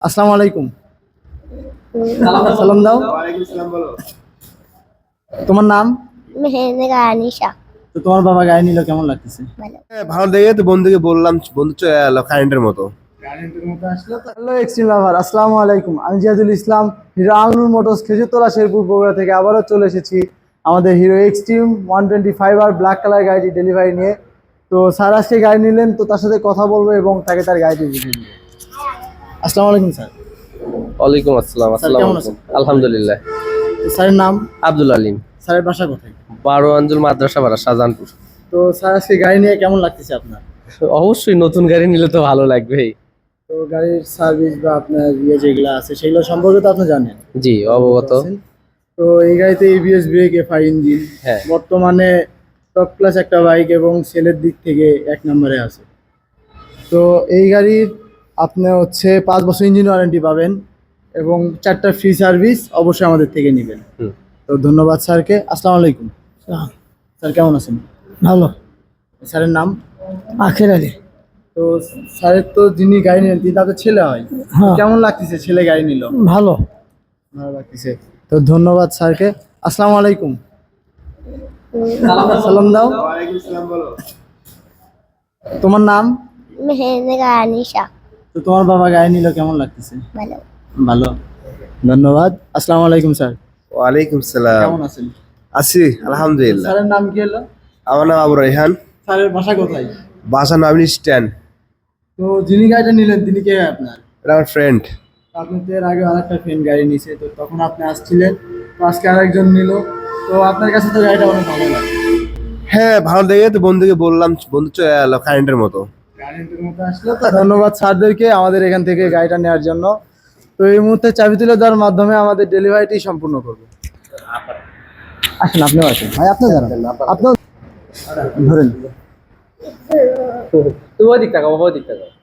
আসসালামু আলাইকুম। সালাম দাও। তোমার নাম? মেহেন্দিকা আনিশা। তো তোমার বাবা গাড়ি নিল, কেমন লাগতেছে? ভালো। ভালো দেখে তো বন্ধুকে বললাম, বন্ধু চলে এলো কারেন্টের মতো। হ্যালো এক্সট্রিম লাভার, আসসালামু আলাইকুম। আমি জিয়াদুল ইসলাম, হিরো আলনুর মোটরস খেজুরতলা শেরপুর বগুড়া থেকে আবারও চলে এসেছি আমাদের হিরো এক্সট্রিম 125 আর ব্ল্যাক কালার গাড়িটি ডেলিভারি নিয়ে। তো স্যার আজকে গাড়ি নিলেন, তো তার সাথে কথা বলবো এবং তাকে তার গাড়িটি বুঝিয়ে দেবো। আসসালামু আলাইকুম স্যার। ওয়ালাইকুম আসসালাম। আসসালামু কেমন আলাইকুম। আছেন? আলহামদুলিল্লাহ। তো স্যারের নাম? আব্দুল আলিম। স্যারের বাসা কোথায়? 12 আঞ্জুল মাদ্রাসা পাড়া, শাহজাহানপুর। তো স্যার আজকে গাড়ি নিয়ে কেমন লাগতেছে আপনার? অবশ্যই নতুন গাড়ি নিলে তো ভালো লাগবেই। তো গাড়ির সার্ভিস বা আপনার যেগুলো আছে সেগুলো সম্পর্কে তো আপনি জানেন। জি, অবগত। তো এই গাড়িতে এবিএস ব্রেক, এফআই ইঞ্জিন, হ্যাঁ। বর্তমানে টপ ক্লাস একটা বাইক এবং সেলের দিক থেকে 1 নম্বরে আছে। তো এই গাড়ির আপনি 5 বছর ইঞ্জিন ওয়ারেন্টি পাবেন এবং 4টা ফ্রি সার্ভিস অবশ্যই আমাদের থেকে নেবেন। তো ধন্যবাদ স্যারকে। আসসালামু আলাইকুম। স্যার কেমন আছেন? ভালো। স্যারের নাম? আখের আলী। তো স্যারের তো যিনি গাড়ি নিলেন তিনি তাদের ছেলে হয়। হ্যাঁ। কেমন লাগতেছে ছেলে গাড়ি নিল? ভালো। ভালো লাগতেছে। তো ধন্যবাদ স্যারকে। আসসালামু আলাইকুম। সালাম দাও। তোমার নাম? মেহেন্দিকা আনিশা। তো তোমার বাবা গাড়ি নিল, কেমন লাগতেছে? ভালো। ভালো, ধন্যবাদ। আসসালামু আলাইকুম স্যার। ওয়ালাইকুম সালাম। কেমন আছেন? আছি আলহামদুলিল্লাহ। স্যারের নাম কি হলো? আমার নাম আবু রাইহান। স্যারের বাসা কোথায়? বাসা নবীন স্ট্যান্ড। তো যিনি গাড়িটা নিলেন তিনি কে হয় আপনার? এটা আমার ফ্রেন্ড। আপনি তো এর আগে আরেকটা ফ্রেন্ড গাড়ি নিয়েছে, তো তখন আপনি আসছিলেন, তো আজকে আরেকজন নিল। তো আপনার কাছে তো গাড়িটা অনেক ভালো লাগে। হ্যাঁ, ভালো দেখে তো বন্ধুকে বললাম, বন্ধু চলে এলো কারেন্টের মতো। কারেন্টের মতো আসলো। তো ধন্যবাদ স্যারদেরকে আমাদের এখান থেকে গাড়িটা নেওয়ার জন্য। তো এই মুহূর্তে চাবি তুলে দেওয়ার মাধ্যমে আমাদের ডেলিভারিটি সম্পূর্ণ করবো। আসেন, আপনিও আসেন ভাই, আপনি জানান, আপনিও ধরেন। তুমি ওই দিক তাকাও, বাবা ওই দিক তাকাও।